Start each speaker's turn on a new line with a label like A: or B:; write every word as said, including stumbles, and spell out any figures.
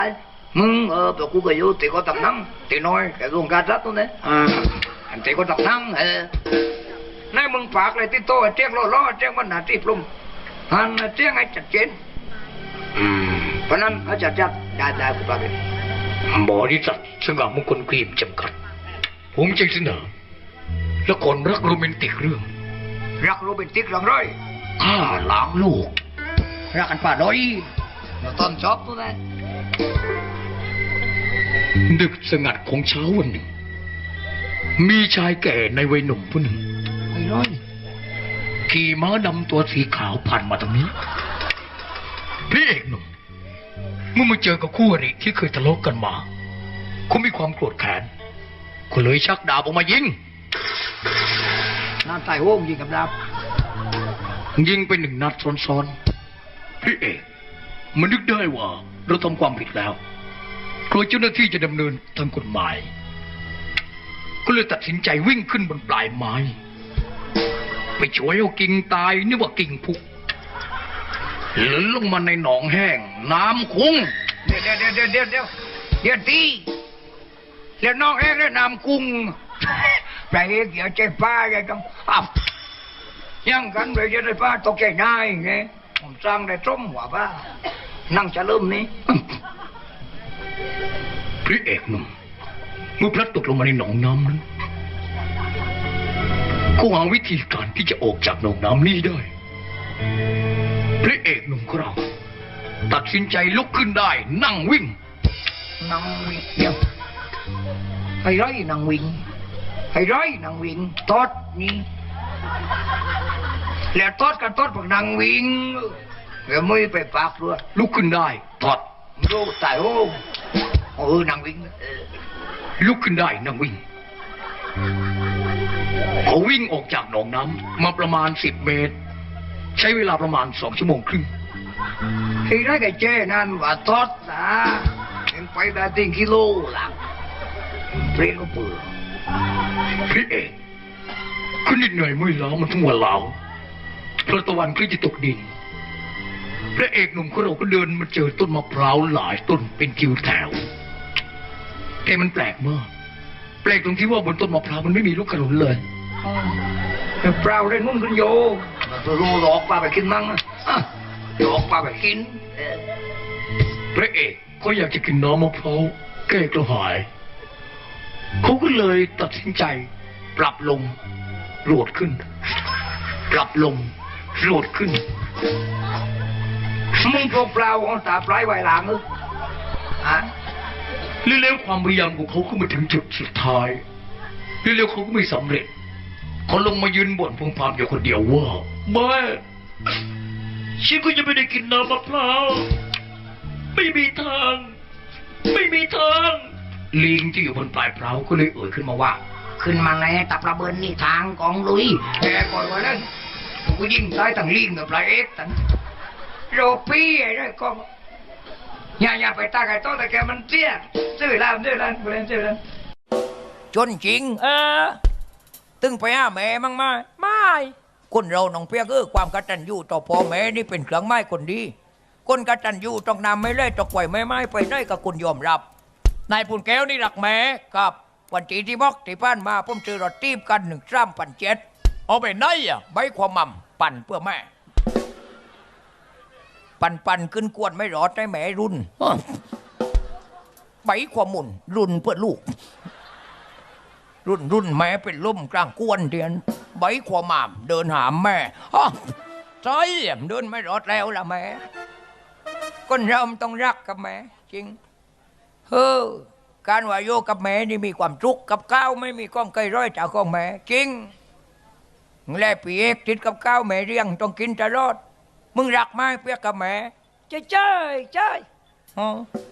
A: มึงเออแต่กูก็อยู่ตีก็ตับนั่งตีน้อยแกลงการรัดตัวนี้อ่าอันตีก็ตับนั่งเออนายมึงฝากเลยที่โตเจ้งล้อล้อเจ้งมันหนาที่ปลุ่มหันเจ้งให้จัดเจนอืมเพราะนั้นเขาจัดจัดได้ได้กูฝากเลยบริษัทสง่ามงคลครีมจำกัดผมจึงเสนอละครรักโรแมนติกเรื่องรักโรแมนติกเรื่องไรข้าล้างลูกรักกันป่าดอยตอนชอบตัวนั้นดึกสงัดของเช้าวันหนึ่งมีชายแก่ในวัยหนุ่มผู้หนึ่งไม่ร้อยขี่ม้าดำตัวสีขาวผ่านมาตรงนี้พี่เอกหนุ่มเมื่อมาเจอกับคู่อริที่เคยทะเลาะกันมาเขามีความโกรธแค้นก็เลยชักดาบออกมายิงน้าตายโว้งยิงกับดาบยิงไปหนึ่งนัดซ้อนๆพี่เอกมันนึกได้ว่าเราทำความผิดแล้วกลัวเจ้าหน้าที่จะดำเนินทางกฎหมายก็เลยตัดสินใจวิ่งขึ้นบนปลายไม้ไปช่วยเอากิ่งตายนึกว่ากิ่งพุกหล่นลงมาในหนองแห้งน้ำคุ้งเดี๋ยวเดี๋ยวเดี๋ยวเดี๋ยวเดี๋ยวเดี๋ยวตีแล้วหนองแห้งแล้วน้ำคุ้งไปเอกอย่าใจป้าอย่าต้องอ้าวยังกันเลยจะได้ป้าตกใจง่ายไงผมสร้างได้ต้มหัวป้านั่งจะเริ่มนี้พระเอกหนุ่มเมื่อพลัดตกลงมาในหนองน้ำนั้นก็หาวิธีการที่จะออกจากหนองน้ำนี้ได้พระเอกหนุ่มของเราตัดสินใจลุกขึ้นได้นั่งวิ่งนั่งวิ่งเดียวให้ร้อยนั่งวิ่งให้ร้อยนั่งวิ่งทอดนี่แล้วทอดกันทอดพวกนั่งวิ่งแล้วไม่ไปปากด้วยลุกขึ้นได้ทอดโลตายโอ้เออนั่งวิ่งลุกขึ้นได้นั่งวิ่งเขาวิ่งออกจากหนองน้ำมาประมาณสิบเมตรใช้เวลาประมาณสองชั่วโมงครึ่งที่ได้กับเจ้นั่นว่าทอดนะเป็นไปได้ถึงกิโลหลังเปรี้ยวเปื่อยพี่เอกขึ้นนิดหน่อยไม่ล้ามันทั้งวันเหลาพระตะวันก็จะตกดินพระเอกหนุ่มของเราก็เดินมาเจอต้นมะพร้าวหลายต้นเป็นคิวแถวแต่มันแปลกมากแปลกตรงที่ว่าบนต้นมะพร้าวมันไม่มีลูกขนุนเลยแต่เปล่าได้นุ่นกันโยตัวโลหลอกปลาไปกินมั้งหลอกปลาไปกินพระเอกก็อยากจะกินน้ำมะพร้าวแก้กระหายเขาก็เลยตัดสินใจปรับลงโหลดขึ้นปรับลงโหลดขึ้นมึงพวกเปล่าของตาปลายไวหลังเออฮะเร็วๆความพยายามของเขาก็มาถึงจุดสุดท้ายเร็วๆเขาก็ไม่สำเร็จเขาลงมายืนบ่นพึมพำอยู่คนเดียวว่าแม่ฉันก็จะไม่ได้กินน้ำมะพร้าวไม่มีทางไม่มีทางลิงที่อยู่บนปลายเปล่าก็เลยเอ่ยขึ้นมาว่าขึ้นมาไงตับระเบิดนี่ทางกองลุยแกก่อนวันนั้นกูยิงตายตั้งลิงกับปลายเอ็กตั้งโรปี้ไอ้ด้วยก็อย่าอย่าไปตาไก่โตแต่แกมันเตี้ยซื้อแล้วซื้อแล้วเล่นซื้อแล้วจนจริงเออตึงไปหาแม่มั่งไหมไม่คนเราหนองเปียกคือความกตัญญูต่อพ่อแม่นี่เป็นเครื่องไม้คนดีคนกตัญญูต้องนำไม่เล่ตะไคร่ไม่ไม้ไปได้กับคุณยอมรับนายปุ่นแก้วนี่หลักแม่กับวันที่ที่บอกที่ผ่านมาผมเจอรถตีบกันหนึ่งสามพันเจ็ดเอาไปไหนอ่ะใบความมั่มปั่นเพื่อแม่ปั่นปั่นขึ้นกวนไม่รอดได้แม่รุ่นใบความหมุนรุ่นเพื่อลูกรุ่นรุ่นแม่เป็นล่มกลางกวนเดียนใบความหม่ำเดินหามแม่ใช่เดินไม่รอดแล้วล่ะแม่คนเราต้องรักกับแม่จริงเฮ้อการว่าโยกับแม่นี่มีความทุกข์กับข้าวไม่มีก้องไก่ร้อยจากของแม่จริงแลปีเอกติดกับข้าวแม่เรียงต้องกินตลอดมึงรักไหมเปียกกับแม่เจ้ยเจ้ยเจ้ยอ๋อ